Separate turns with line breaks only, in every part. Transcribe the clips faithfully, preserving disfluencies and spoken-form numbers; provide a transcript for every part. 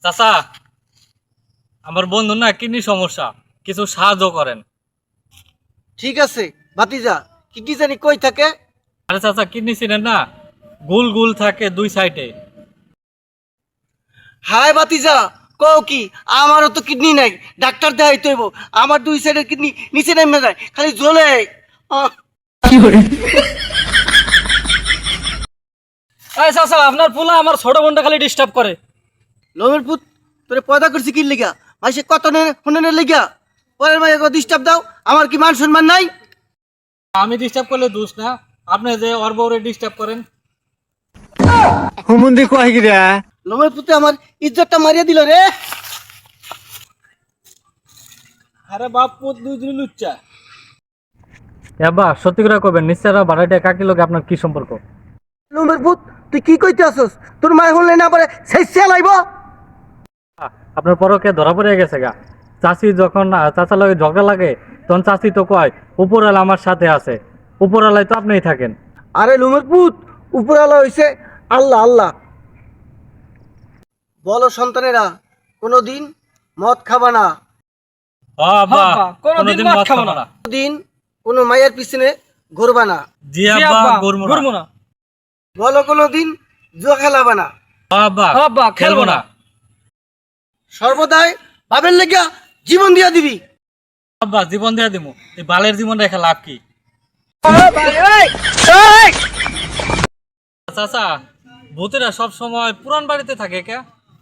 চাচা, আমার বন্ধু না কিডনি সমস্যা, কিছু সাহায্য করেন।
ঠিক আছে ভাতিজা, কিডনি জানি কই থাকে?
আরে চাচা, কিডনি চিনেন না? গুল গুল থাকে দুই সাইডে।
হাই ভাতিজা, কও কি? আমারও তো কিডনি নাই, ডাক্তার দেখাইতে হইব। আমার দুই সাইডের কিডনি নিচে নেমে যায়, খালি জ্বলে। আহ,
এই চাচা, আপনার পোলা আমার ছোট বোনটা খালি ডিস্টার্ব করে।
লোমের পুত, তোরে পয়দা করছি কি লিগা? মাইসে কত হুনের লিগা? পরের মাইকে ডিস্টার্ব দাও, আমার কি মান সম্মান নাই?
আমি ডিস্টার্ব করলে দোষ না, আপনি যে ওর বউরে ডিস্টার্ব করেন।
হুমুন্দি কয় গিরা
লোমের পুতে আমার ইজ্জতটা মারিয়া দিল রে।
আরে বাপ পুত দুই দিন লুচ্চা। এবা সত্যি করে কবেন, নিশ্চয়রা ভাড়াটা কাকি লোকে আপনার কি সম্পর্ক?
লোমের পুত, তুই কি কইতে আসস? তোর মায় হলে না পারে সেই লাইব।
আপনার পরকে ধরা পড়ে গেছে গা। চাচি যখন চাচার লগে ঝগড়া লাগে, তখন চাচি তো কয় উপরওয়ালা আমার সাথে আছে, উপরওয়ালায় তো আপনিই থাকেন।
আরে লোমের পুত, উপরালা হইছে আল্লাহ আল্লাহ। বলো সন্তানেরা, কোনোদিন মদ খাবা না,
কোনদিন মদ খাবো না।
কোনোদিন কোনো মায়ের পিছনে ঘুরবা না।
জি আব্বা, ঘুরবো না।
বলো কোনোদিন জুয়া খেলাবা না।
আব্বা, খেলবো না।
সর্বদাই বাবের লেগা জীবন দিয়া দিবি।
আব্বা, জীবন দেয়া দিমু, এই বালের জীবন রেখে লাভ কি? চাচা, ভূতেরা সব সময় পুরান বাড়িতে থাকে কে?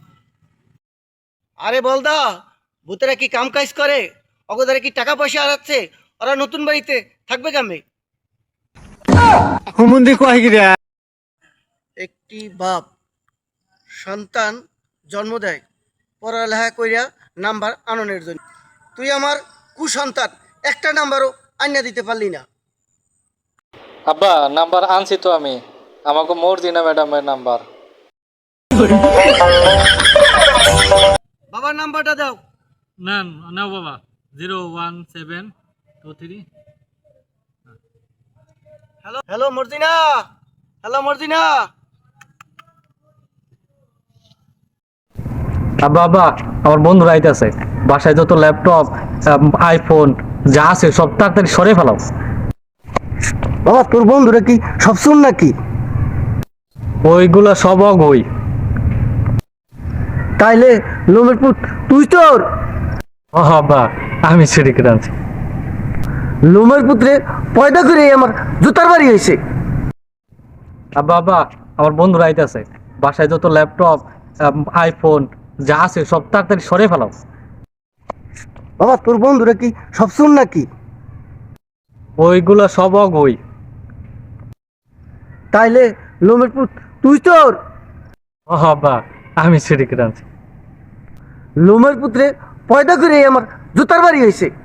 আরে বলদা, ভূতেরা কি কাম কাজ করে? অগোদারে কি টাকা পয়সা হারাচ্ছে? ওরা নতুন বাড়িতে থাকবে কামে?
হুমুন্দি কয় গিরা
একটি বাপ সন্তান জন্ম দেয় পড়ালেখা কইরা নাম্বার আননের জন্য। তুই আমার কুসন্তান, একটা নাম্বারও আইনা দিতে পারলি না।
আব্বা, নাম্বার আনছি তো আমি, আমাকে মর্জিনা ম্যাডামের নাম্বার।
বাবার নাম্বারটা দাও।
না নাও বাবা, zero one seven two three.
Hello hello Morjina, hello Morjina.
আব্বা আব্বা, আমার বন্ধুরা আইতাছে, বাসায় যত ল্যাপটপ আইফোন যা আছে সব তাড়াতাড়ি সরে ফেলাও।
বাবা, তোর বন্ধুরা কি সব শুন নাকি?
ওইগুলা সব অগই।
তাইলে লোমের পুত, তুই তোর
ও আব্বা, আমি চুরি করে আনছি।
লোমের পুত্রে পয়দা করে আমার জুতার বাড়ি হয়েছে।
আব্বা আব্বা, আমার বন্ধুরা আইতাছে, বাসায় যত ল্যাপটপ আইফোন যা আছে সব তাড়াতাড়ি সরে ফেলাও।
বাবা, তোর বন্ধুরা কি সব শুন নাকি?
ওইগুলা সব অগই।
তাইলে লোমের পুত, তুই তোর
ও আব্বা, আমি চুরি করে আনছি।
লোমের পুত্রে পয়দা করে আমার জুতার বাড়ি হয়েছে।